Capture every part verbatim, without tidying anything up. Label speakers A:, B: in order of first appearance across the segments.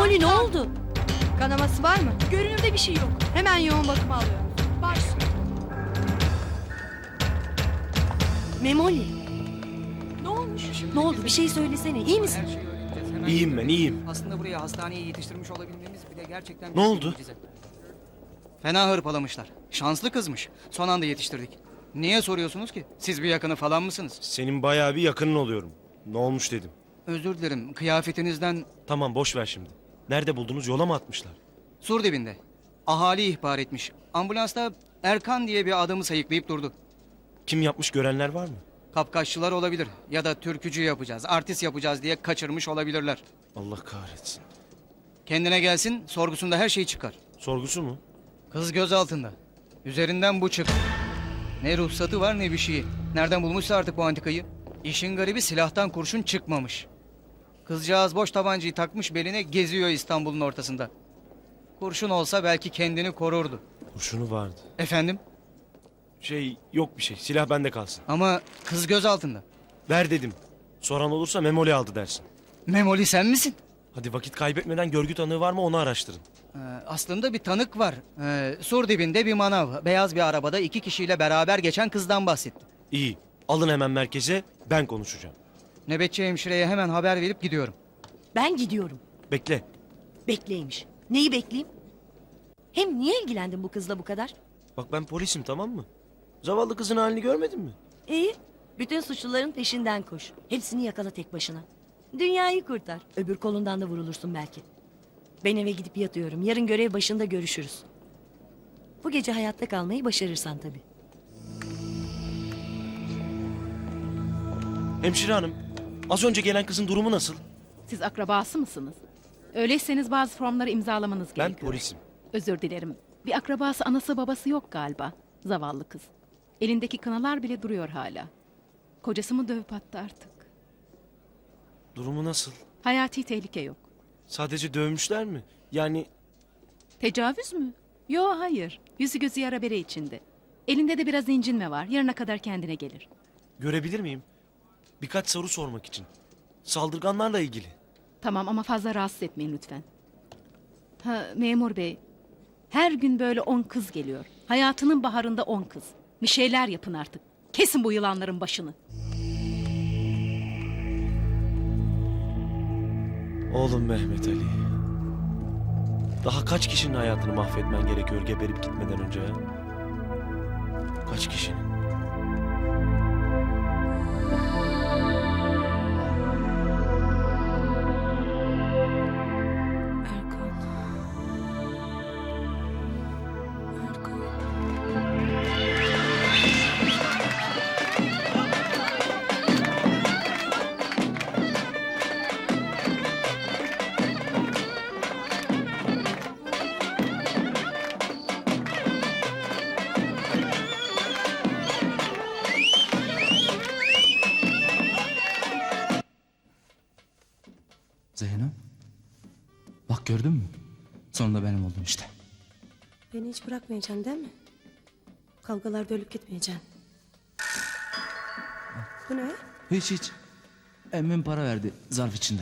A: Memoli ne oldu?
B: Kanaması var mı?
C: Görünürde bir şey yok.
B: Hemen yoğun bakıma alıyorum.
C: Baş.
A: Memoli
C: Ne olmuş?
A: ne oldu bir şey söylesene, iyi misin?
D: Her şeyi öğreneceğiz. Hemen
E: İyiyim ben,
D: gidiyoruz.
E: iyiyim.
D: Aslında buraya hastaneye yetiştirmiş olabilmemiz bile gerçekten...
E: Ne
D: büyük bir
E: oldu?
D: mucize. Fena hırpalamışlar. Şanslı kızmış. Son anda yetiştirdik. Niye soruyorsunuz ki? Siz bir yakını falan mısınız?
E: Senin bayağı bir yakının oluyorum. Ne olmuş dedim.
D: Özür dilerim. Kıyafetinizden
E: Tamam boş ver şimdi. Nerede buldunuz, yola mı atmışlar?
D: sur dibinde. Ahali ihbar etmiş. Ambulansta Erkan diye bir adamı sayıklayıp durdu.
E: Kim yapmış, görenler var mı?
D: Kapkaççılar olabilir. Ya da türkücü yapacağız, artist yapacağız diye kaçırmış olabilirler.
E: Allah kahretsin.
D: Kendine gelsin, sorgusunda her şey çıkar.
E: Sorgusu mu?
D: Kız göz altında. Üzerinden bu çık. Ne ruhsatı var ne bir şeyi. Nereden bulmuşsa artık bu antikayı. İşin garibi silahtan kurşun çıkmamış. Kızcağız boş tabancayı takmış beline geziyor İstanbul'un ortasında. Kurşun olsa belki kendini korurdu.
E: Kurşunu vardı.
D: Efendim?
E: Şey, yok bir şey. Silah bende kalsın.
D: Ama kız göz altında.
E: Ver dedim. Soran olursa Memoli aldı dersin.
D: Memoli sen misin?
E: Hadi vakit kaybetmeden görgü tanığı var mı onu araştırın.
D: Ee, aslında bir tanık var. Ee, sur dibinde bir manav. Beyaz bir arabada iki kişiyle beraber geçen kızdan bahsetti.
E: İyi. Alın hemen merkeze, ben konuşacağım.
D: Nöbetçi hemşireye hemen haber verip gidiyorum.
A: Ben gidiyorum.
E: Bekle.
A: Bekleymiş. Neyi bekleyeyim? Hem niye ilgilendin bu kızla bu kadar?
E: Bak ben polisim, tamam mı? Zavallı kızın halini görmedin mi?
A: İyi. Bütün suçluların peşinden koş. Hepsini yakala tek başına. Dünyayı kurtar. Öbür kolundan da vurulursun belki. Ben eve gidip yatıyorum. Yarın görev başında görüşürüz. Bu gece hayatta kalmayı başarırsan tabii.
E: Hemşire hanım, az önce gelen kızın durumu nasıl?
F: Siz akrabası mısınız? Öyleyseniz bazı formları imzalamanız
E: Ben
F: gerekiyor.
E: polisim.
F: Özür dilerim. Bir akrabası anası babası yok galiba. Zavallı kız. Elindeki kınalar bile duruyor hala. Kocası mı dövüp attı artık?
E: Durumu nasıl?
F: Hayati tehlike yok.
E: Sadece dövmüşler mi? Yani
F: Tecavüz mü? Yo hayır. Yüzü gözü yara bere içinde. Elinde de biraz incinme var. Yarına kadar kendine gelir.
E: görebilir miyim? Birkaç soru sormak için. Saldırganlarla ilgili.
F: Tamam ama fazla rahatsız etmeyin lütfen. Ha, memur bey. Her gün böyle on kız geliyor. Hayatının baharında on kız. Bir şeyler yapın artık. Kesin bu yılanların başını.
E: Oğlum Mehmet Ali. Daha kaç kişinin hayatını mahvetmen gerekiyor geberip gitmeden önce ya? Kaç kişinin?
B: Erkan. Erkan.
G: Zeyno. Bak gördün mü? Sonunda benim oldum işte.
H: Beni hiç bırakmayacaksın değil mi? Kavgalarda ölüp gitmeyeceksin. Bu ne?
G: Hiç hiç. Emmim para verdi zarf içinde.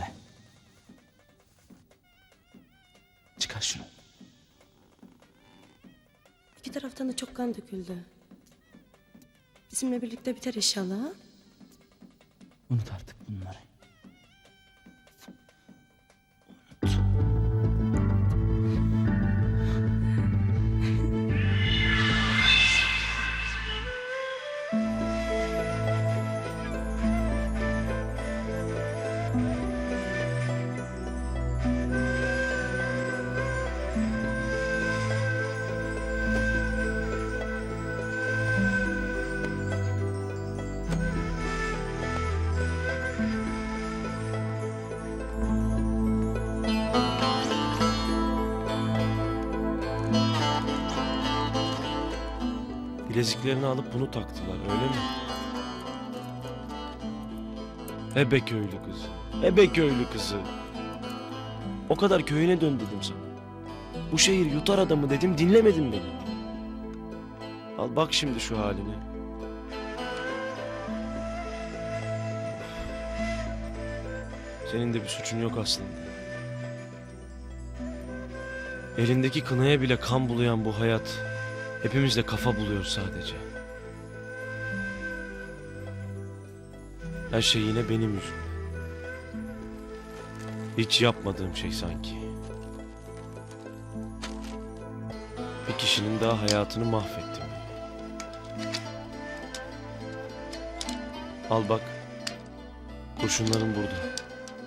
G: Çıkar şunu.
H: İki taraftan da çok kan döküldü. Bizimle birlikte biter inşallah. Ha?
G: Unut artık bunları.
E: Bileziklerini alıp bunu taktılar, öyle mi? Ebe köylü kızı. Ebe köylü kızı. O kadar köyüne dön dedim sana. Bu şehir yutar adamı dedim, dinlemedin beni. Al bak şimdi şu haline. Senin de bir suçun yok aslında. Elindeki kınaya bile kan bulayan bu hayat hepimizde kafa buluyor sadece. Her şey yine benim yüzümden. Hiç yapmadığım şey sanki. Bir kişinin daha hayatını mahvettim. Al bak. Kurşunların burada.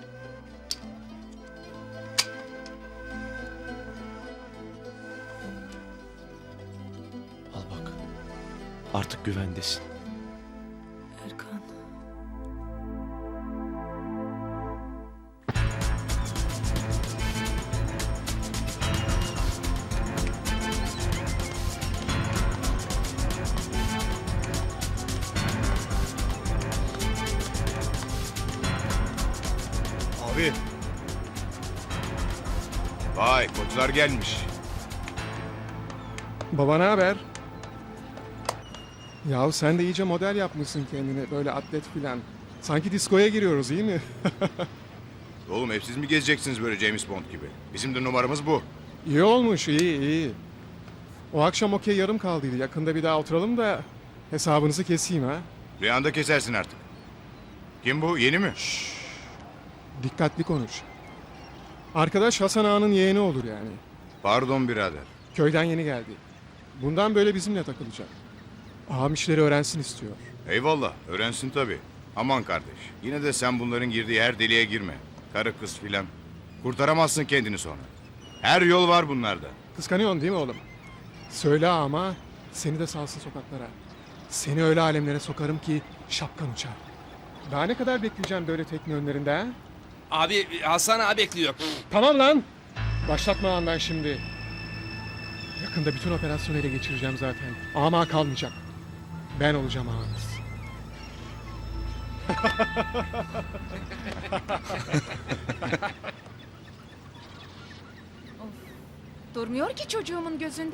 E: Al bak. Artık güvendesin.
H: Erkan.
I: Abi. Vay koçlar gelmiş.
J: Baba ne haber? Yahu sen de iyice model yapmışsın kendine böyle atlet filan. Sanki diskoya giriyoruz iyi mi?
I: Oğlum hep siz mi gezeceksiniz böyle James Bond gibi? Bizim de numaramız bu.
J: İyi olmuş iyi iyi. O akşam okey yarım kaldıydı. Yakında bir daha oturalım da hesabınızı keseyim ha.
I: Rüyanda kesersin artık. Kim bu? Yeni mi?
J: Dikkatli konuş. Arkadaş Hasan Ağa'nın yeğeni olur yani.
I: Pardon birader.
J: Köyden yeni geldi. Bundan böyle bizimle takılacak. Ağam işleri öğrensin istiyor.
I: Eyvallah öğrensin tabii. Aman kardeş. Yine de sen bunların girdiği her deliğe girme. Karı kız filan. Kurtaramazsın kendini sonra. Her yol var bunlarda.
J: Kıskanıyorsun değil mi oğlum? Söyle ama seni de salsın sokaklara. Seni öyle alemlere sokarım ki şapkan uçar. Daha ne kadar bekleyeceğim böyle tekne önlerinde ha?
K: Abi Hasan abi bekliyor.
J: Tamam lan. Başlatma lan ben şimdi. Yakında bütün operasyonu ele geçireceğim zaten. Ama kalmayacak. Ben olacağım ağanız.
L: Durmuyor ki çocuğumun gözünde.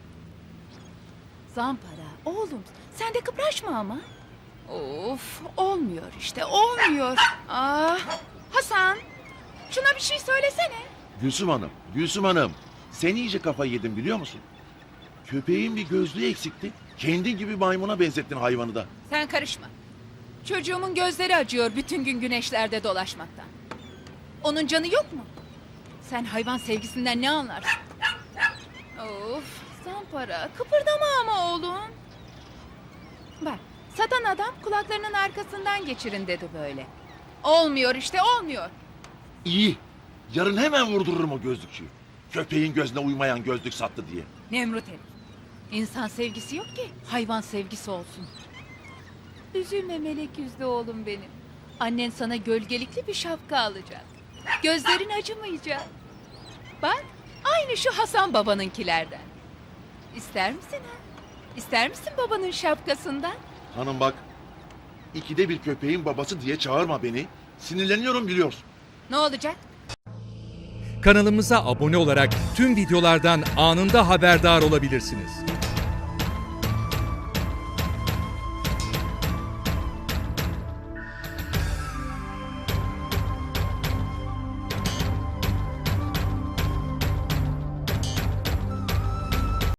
L: Zampara, oğlum sen de kıpraşma ama. Of, olmuyor işte, olmuyor. Ah, Hasan, şuna bir şey söylesene.
M: Gülsüm Hanım, Gülsüm Hanım. Sen iyice kafayı yedin biliyor musun? Köpeğin bir gözlüğü eksikti. Kendin gibi maymuna benzettin hayvanı da.
L: Sen karışma. Çocuğumun gözleri acıyor bütün gün güneşlerde dolaşmaktan. Onun canı yok mu? Sen hayvan sevgisinden ne anlarsın? Of, Zampara, kıpırdama ama oğlum. Bak, satan adam kulaklarının arkasından geçirin dedi böyle. Olmuyor işte, olmuyor.
M: İyi. Yarın hemen vurdururum o gözlükçüyü. Köpeğin gözüne uymayan gözlük sattı diye.
L: Nemrut herif. İnsan sevgisi yok ki hayvan sevgisi olsun. Üzülme melek yüzlü oğlum benim. Annen sana gölgelikli bir şapka alacak. Gözlerin acımayacak. Bak aynı şu Hasan babanınkilerden. İster misin ha? İster misin babanın şapkasından?
M: Hanım bak. İkide bir köpeğin babası diye çağırma beni. Sinirleniyorum biliyorsun.
L: Ne olacak?
K: Kanalımıza abone olarak tüm videolardan anında haberdar olabilirsiniz.